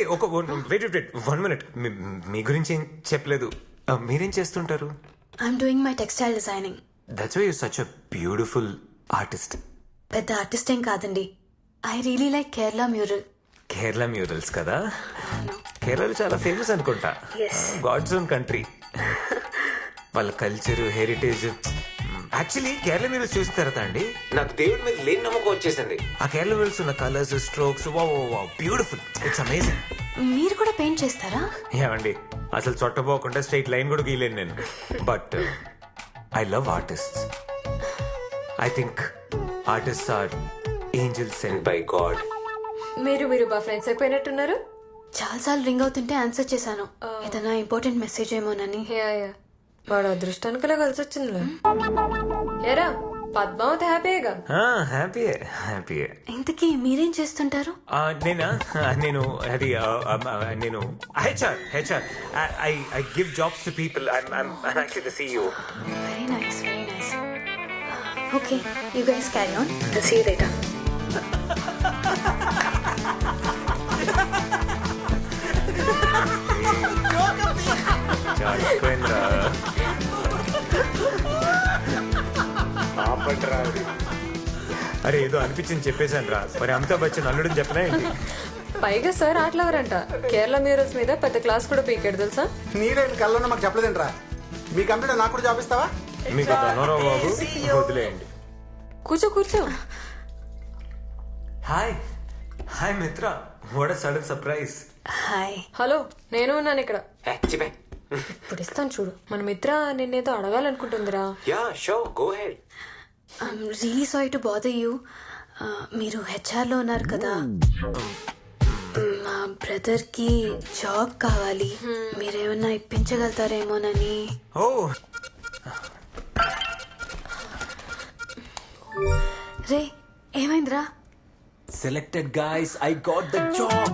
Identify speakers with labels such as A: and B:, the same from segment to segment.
A: ఒక wait 1 minute. మీ గురించి ఏం చెప్పలేదు. మీరేం చేస్తుంటారు?
B: I'm doing my textile designing.
A: That's why you such a beautiful artist.
B: పెద్ద ఆర్టిస్ట్ ఏం కాదండి. I really like Kerala mural.
A: Kerala murals కదా? కేరళలో చాలా ఫేమస్ అనుకుంటా. God's own country. వాళ్ళ culture, heritage. Actually Kerala murals చూసిన తర్వాత అండి నాకు దేవుడి మీద లేని నమ్మకం వచ్చేసింది. ఆ కేరళ మ్యూరల్స్ ఉన్న colours, strokes, beautiful. It's amazing.
B: మీరు కూడా పెయింట్ చేస్తారా?
A: ఏమండి అసలు చొట్టపోకుండా స్ట్రైట్ లైన్ కూడా గీయలేను నేను. But I love artist. I think artist are angels sent by God.
C: మీరు బా ఫ్రెండ్స్ అయిపోయినట్టున్నారు.
B: చాలాసార్లు రింగ్ అవుతుంటే ఆన్సర్ చేశాను. ఏదైనా ఇంపార్టెంట్ మెసేజ్ ఏమోనని.
C: వాడు అదృష్టానికిలా కలిసి వచ్చిందిలే. ఏరా పద్మావతి హ్యాపీగా?
A: హ్యాపీయే.
B: ఇంతకీ మీరేం చేస్తుంటారు?
A: నేను అది నేను HR. I give jobs to people. I'm actually the CEO.
B: Very nice. Okay, you guys carry on. See you later.
A: అరే ఏదో అనిపించింది చెప్పేశాను రా. మరి అమితాబ్ బచ్చన్ అల్లుడని చెప్పలే ఏంటి?
C: పైగా సార్ ఆటలవరంట. కేరళ మ్యూరల్స్ మీద పెద్ద క్లాస్ కూడా పీకాడు తెలుసా?
D: నీరేంటి కళ్ళలో మాకు చెప్పలేదంట్రా. మీ కంప్యూటర్ నాకు కూడా జాబ్ ఇస్తావా?
A: మీకు ధనోరావు బాబు వదిలేయండి.
C: కూర్చో.
A: Hi Mitra. What a sudden surprise.
B: Hi.
C: Hello, నేను ఉన్నాను ఇక్కడ. ఇప్పుడు ఇస్తాను చూడు. మన మిత్ర నిన్నేదో అడగాలనుకుంటుందిరా.
A: Ya sure, go head.
B: I'm really sorry to bother you. మీరు హెచ్ఆర్లో ఉన్నారు కదా. మా బ్రదర్కి జాబ్ కావాలి. మీరేమన్నా ఇప్పించగలుగుతారేమోనని. రే ఏమైందిరా?
E: Selected guys, I got the job.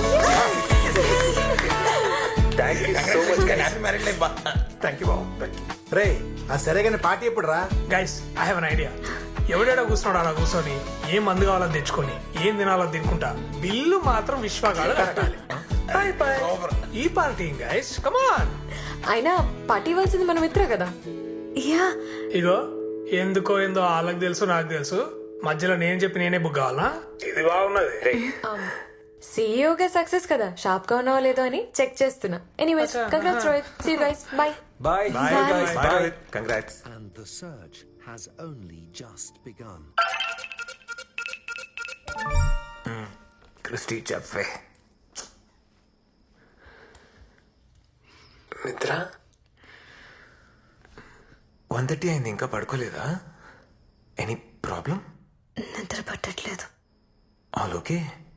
A: Thank you so much. Happy married life. Thank you.
D: రే ఆ సరే కానీ పార్టీ ఎప్పుడు రా?
F: Guys, I have an idea. ఎవడేడా కూర్చున్నాడు అలా కూర్చొని ఏం మందు కావాలని తెచ్చుకొని ఏం తినాలో తినుకుంటా బిల్లు మాత్రం విశ్వగాడు కట్టాలి. ఈ పార్టీ గైస్, కమాన్.
C: అయినా పార్టీ ఇవ్వాల్సింది మన మిత్ర కదా.
B: యా,
F: ఇగో ఎందుకో ఏందో వాళ్ళకి తెలుసు, నాకు తెలుసు. మధ్యలో నేను చెప్పి నేనే బుక్ కావాలా? ఇది బాగున్నది.
C: సీఈఓగా సక్సెస్ కదా, షాప్ గా ఉన్నావో లేదో అని చెక్ చేస్తున్నా. Anyways, congrats Rohit. See you guys. Bye.
A: Bye. Congrats.
G: And the search has only just begun.
A: Christy చెప్పే. మిత్ర 1:30 అయింది, ఇంకా పడుకోలేదా? Any problem?
B: నిద్ర పట్టట్లేదు.
A: All okay?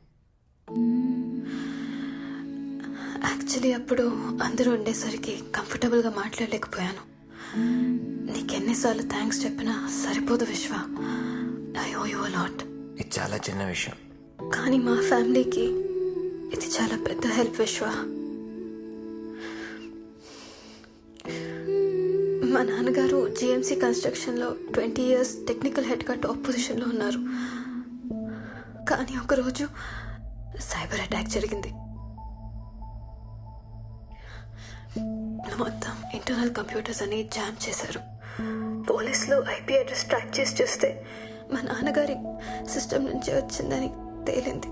B: యాక్చువల్లీ అప్పుడు అందరూ ఉండేసరికి కంఫర్టబుల్గా మాట్లాడలేకపోయాను. నీకెన్నిసార్లు థ్యాంక్స్ చెప్పినా సరిపోదు Vishwa. I owe you a lot.
A: ఇది చాలా చిన్న విషయం.
B: కానీ మా ఫ్యామిలీకి ఇది చాలా పెద్ద హెల్ప్ విశ్వ. మా నాన్నగారు జిఎంసీ కన్స్ట్రక్షన్లో 20 years టెక్నికల్ హెడ్గా టాప్ పొజిషన్లో ఉన్నారు. కానీ ఒకరోజు సైబర్ అటాక్ జరిగింది. మొత్తం ఇంటర్నల్ కంప్యూటర్స్ అని జామ్ చేశారు. పోలీసులు ఐపీ అడ్రస్ ట్రాక్ చేసి చూస్తే మా నాన్నగారి సిస్టమ్ నుంచి వచ్చిందని తేలింది.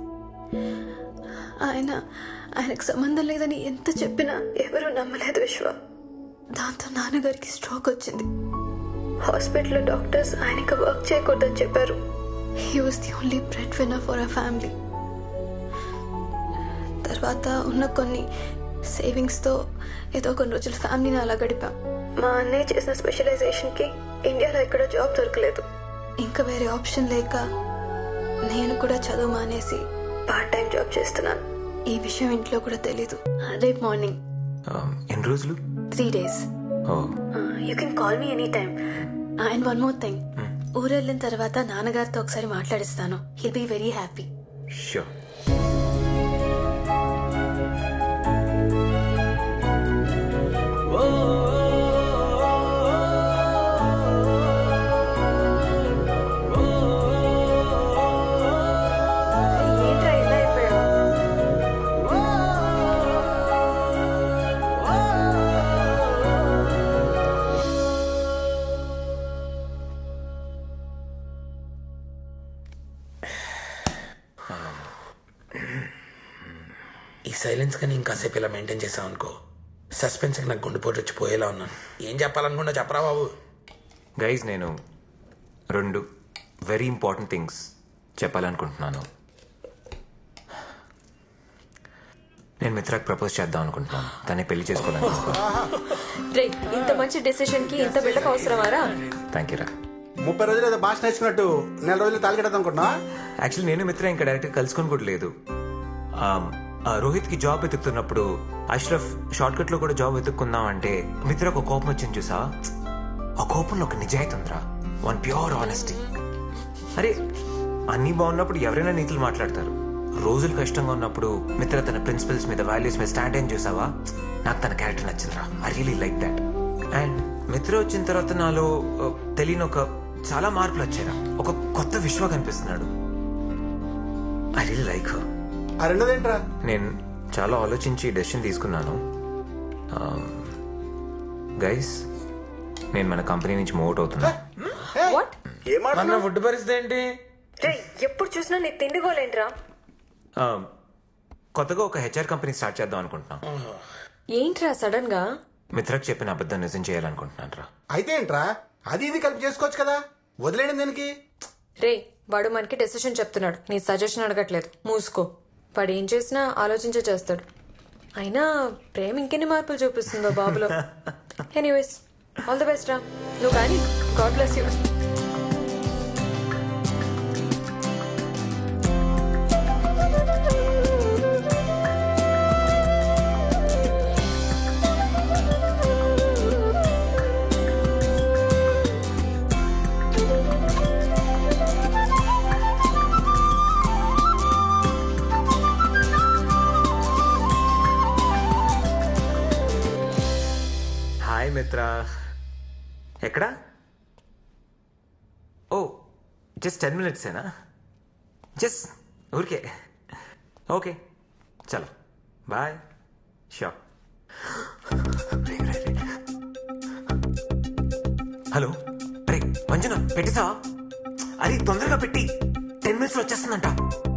B: ఆయనకు సంబంధం లేదని ఎంత చెప్పినా ఎవరూ నమ్మలేదు విశ్వ. దాంతో నాన్నగారికి స్ట్రోక్ వచ్చింది. హాస్పిటల్లో డాక్టర్స్ ఆయనకి వర్క్ చేయకూడదని చెప్పారు. He was the only breadwinner for our family. తర్వాత ఉన్న కొన్ని సేవింగ్స్తో ఏదో కొన్ని రోజులు ఫ్యామిలీని అలా గడిపాం. మా అన్నయ్య చేసిన స్పెషలైజేషన్కి ఇండియాలో ఎక్కడ జాబ్ దొరకలేదు. ఇంకా వేరే ఆప్షన్ లేక నేను కూడా చదువు మానేసి పార్ట్ టైం జాబ్ చేస్తున్నాను. ఈ విషయం ఇంట్లో కూడా తెలీదు. రేపు మార్నింగ్.
A: ఎన్ని రోజులు?
B: 3 days. You can call me any time. And one more thing, ఊరెళ్ళిన తర్వాత నాన్నగారితో ఒకసారి మాట్లాడిస్తాను. He'll be very happy.
A: Sure.
C: ఏంట్రా ఇలా అయిపోయావు?
H: సైలెన్స్ కానీ ఇంకాసేపు ఇలా మెయింటైన్ చేసావు అనుకో సస్పెన్స్కి నాకు గుండెపోటు వచ్చి పోయేలా ఉన్నాను. ఏం చెప్పాలనుకున్నా చెప్పరా బాబు.
A: గైజ్ నేను 2 వెరీ ఇంపార్టెంట్ థింగ్స్ చెప్పాలనుకుంటున్నాను. నేను మిత్రాకి ప్రపోజ్ చేద్దాం అనుకుంటున్నాను. తనే పెళ్లి చేసుకోవాలనుకుంటున్నాను.
C: రే ఇంత మంచి డెసిషన్ కి ఇంత బిల్డప్ అవసరమారా?
A: థ్యాంక్ యూ రా.
D: 30 రోజులు ఏదో భాష నేర్చుకున్నట్టు 4 రోజులు తాలికెడదాం అనుకుంటున్నా.
A: యాక్చువల్లీ నేను మిత్ర ఇంకా డైరెక్ట్గా కలుసుకొని కూడా లేదు. రోహిత్కి జాబ్ వెతుకుతున్నప్పుడు అష్రఫ్ షార్ట్ కట్లో కూడా జాబ్ వెతుక్కుందాం అంటే మిత్ర ఒక కోపం వచ్చింది చూసా. ఆ కోపంలో ఒక నిజాయితీ ఉందిరా, వన్ ప్యూర్ ఆనెస్టీ. అరే అన్నీ బాగున్నప్పుడు ఎవరైనా నీతులు మాట్లాడతారు. రోజులు కష్టంగా ఉన్నప్పుడు మిత్ర తన ప్రిన్సిపల్స్ మీద వాల్యూస్ మీద స్టాండ్ అయిన చూసావా. నాకు తన క్యారెక్టర్ నచ్చిందిరా. I really like that. And Mitra వచ్చిన తర్వాత నాలో తెలియని ఒక చాలా మార్పులు వచ్చాయిరా. ఒక కొత్త విశ్వ కనిపిస్తున్నాడు. I really like her.
D: ఆ రెండోదేంట్రా?
A: నేను చాలా ఆలోచించి డెసిషన్ తీసుకున్నాను. గైస్ నేను మన కంపెనీ నుంచి మూవ్ అవుట్ అవుతున్నా.
C: వాట్?
H: మన ఫుడ్ పరిస్థితి ఏంటి?
C: రే ఎప్పుడు చూసినా నీ తిండిగోలేంట్రా?
A: కొత్తగా ఒక హెచ్ఆర్ కంపెనీ స్టార్ట్ చేద్దాం అనుకుంటున్నాం.
C: ఏంట్రా సడన్ గా?
A: మిత్రకు చెప్పిన అబద్ధం నిజం చేయాలనుకుంటున్నాను రా.
D: అయితే ఏంట్రా, అది ఇది కలిపి చేసుకోవచ్చు కదా, వదిలేయడం దానికి.
C: రే వాడు మనకి డెసిషన్ చెప్తున్నాడు, నీ సజెషన్ అడగట్లేదు. మూసుకో. వాడు ఏం చేసినా ఆలోచించే చేస్తాడు. అయినా ప్రేమ ఇంకెన్ని మార్పులు చూపిస్తుందో బాబులో. ఎనీవేస్ ఆల్ ది బెస్ట్ రా. నువ్వు కానీ God bless you.
A: Hi Mitra. ఎక్కడా? ఓ జస్ట్ 10 minutesేనా? జస్ట్ ఊరికే. ఓకే చలో బాయ్. షూర్. హలో అరే మంజున పెట్టిసా? అరే తొందరగా పెట్టి 10 minutesలో వచ్చేస్తుందంట.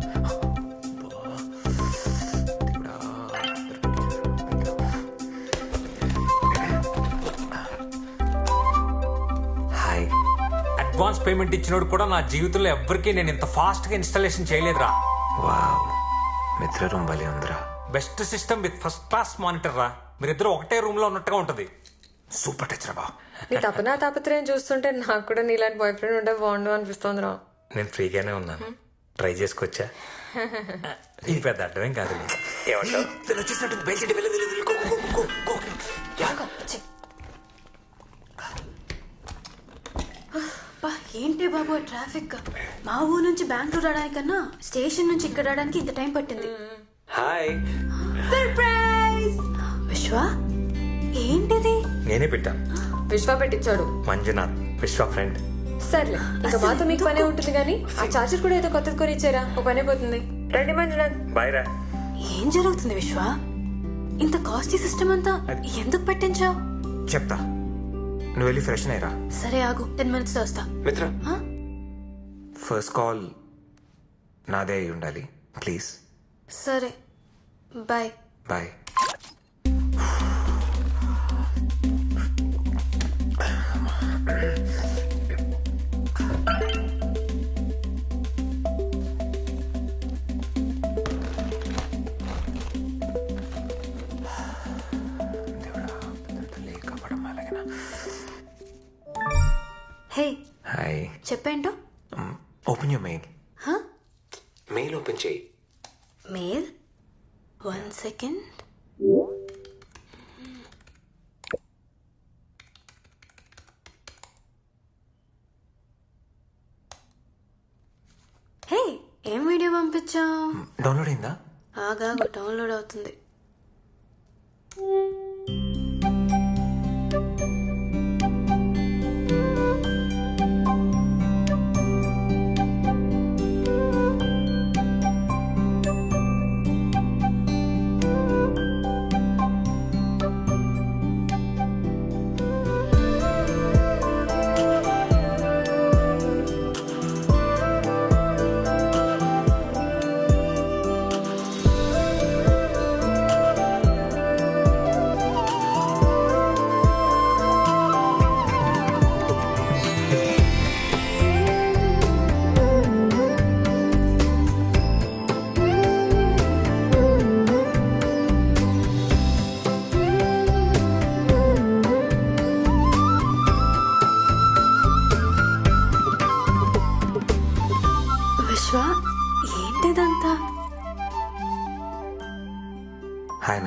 A: హాయ్.
E: అడ్వాన్స్ పేమెంట్ ఇచ్చినోడు కూడా నా జీవితంలో ఎవ్వరికీ నేను ఇంత ఫాస్ట్ గా ఇన్స్టాలేషన్ చేయలేదురా.
A: వావ్ మిత్ర రూమ్ భలే ఉందిరా.
E: Best system with first class monitor రా. మీరిద్దరు ఒకటే రూమ్ లో ఉన్నట్టుగా ఉంటది.
A: సూపర్ టచ్ రా బా.
C: నీ తపనా తాపత్రయం చూస్తుంటే నాకు కూడా నీలాంటి బాయ్ ఫ్రెండ్ ఉంటే బాగుండు అనిపిస్తోందిరా.
H: నేను ఫ్రీగానే ఉన్నాను, ట్రై చేసుకోవచ్చా?
E: ఇది పెద్ద అడ్డమేం కాదు.
H: ఏమంటావు?
A: వచ్చేసినట్టు బయలుదేరి
B: ఏంటి బాబు ట్రాఫిక్. మా ఊరు నుంచి బెంగళూరు రావడానికన్నా స్టేషన్ నుంచి ఇక్కడ రావడానికి ఇంత టైం పట్టింది.
A: హాయ్.
B: సర్ప్రైజ్. విశ్వ ఏంటిది?
H: నేనే పెట్టాను.
C: విశ్వ పెట్టించాడు.
H: మంజునాథ్ విశ్వ ఫ్రెండ్.
C: సర్లే ఇంకా మాతో మీకు పనే ఉంటుంది కానీ ఆ చార్జర్ కూడా ఏదో కొత్తది కొని ఇచ్చారా, ఒక పనే పోతుంది. రండి మంజునాథ్.
H: బాయ్ రా.
B: ఏం జరుగుతుంది విశ్వ? ఇంత కాస్ట్లీ సిస్టమ్ అంతా ఎందుకు పెట్టించావు?
A: చెప్తా, నువ్వు వెళ్ళి ఫ్రెష్ అయ్యరా.
B: సరే ఆగు, 10 minutes లో వస్తా.
A: మిత్ర ఫస్ట్ కాల్ నాదే అయి ఉండాలి ప్లీజ్.
B: సరే బాయ్.
A: బాయ్.
B: Hey
A: hi.
B: చెప్పేంటో.
A: Open your mail. Mail open చేయి.
B: Mail 1 second. హే ఏం వీడియో పంపించావు?
A: డౌన్లోడ్ అయిందా?
B: ఆగా డౌన్లోడ్ అవుతుంది.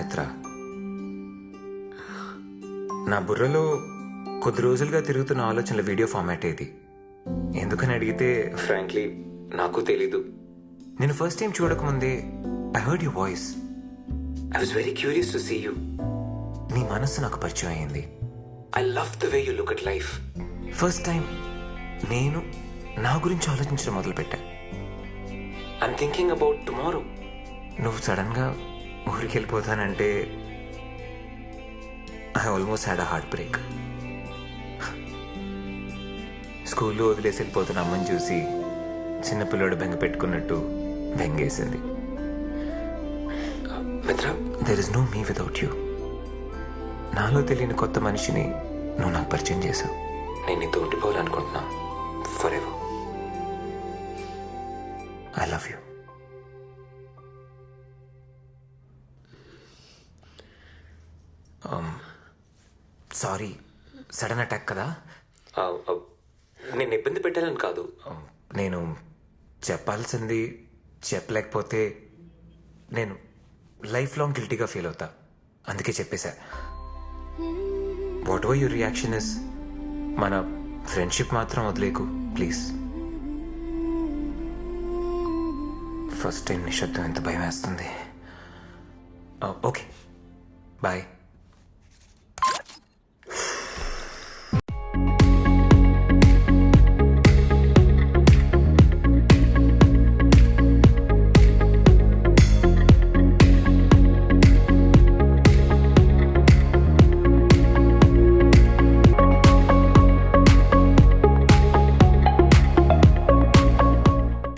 A: మిత్ర. నా బుర్రలో కొద్ది రోజులుగా తిరుగుతున్న ఆలోచనల వీడియో ఫార్మాట్ ఇది. ఎందుకని అడిగితే ఫ్రాంక్లీ నాకు తెలీదు. నేను ఫస్ట్ టైం చూడకముందే I heard you voice. I was very curious to see you. నీ మనస్సు నాకు పరిచయం అయింది. I love the way you look at life. First time నేను నా గురించి ఆలోచించడం మొదలుపెట్టా. I'm thinking about tomorrow. నువ్వు సడన్గా ఊరికి వెళ్ళిపోతానంటే I almost had a heartbreak. స్కూల్లో వదిలేసి వెళ్ళిపోతున్న అమ్మని చూసి చిన్నపిల్లడు బెంగ పెట్టుకున్నట్టు బెంగేసింది. Mitra, there is no me without you. నాలో తెలియని కొత్త మనిషిని నువ్వు నాకు పరిచయం చేశావు. నేను నీతో ఉండిపోవాలనుకుంటున్నా forever. I love you. Sorry, sudden attack కదా. నేను ఇబ్బంది పెట్టాలని కాదు. నేను చెప్పాల్సింది చెప్పలేకపోతే నేను లైఫ్ లాంగ్ గిల్టీగా ఫీల్ అవుతా. అందుకే చెప్పేశా. Whatever your reaction is, మన ఫ్రెండ్షిప్ మాత్రం వదిలేకు ప్లీజ్. ఫస్ట్ టైం నిశ్శబ్దం ఎంత భయం వేస్తుంది. Okay bye.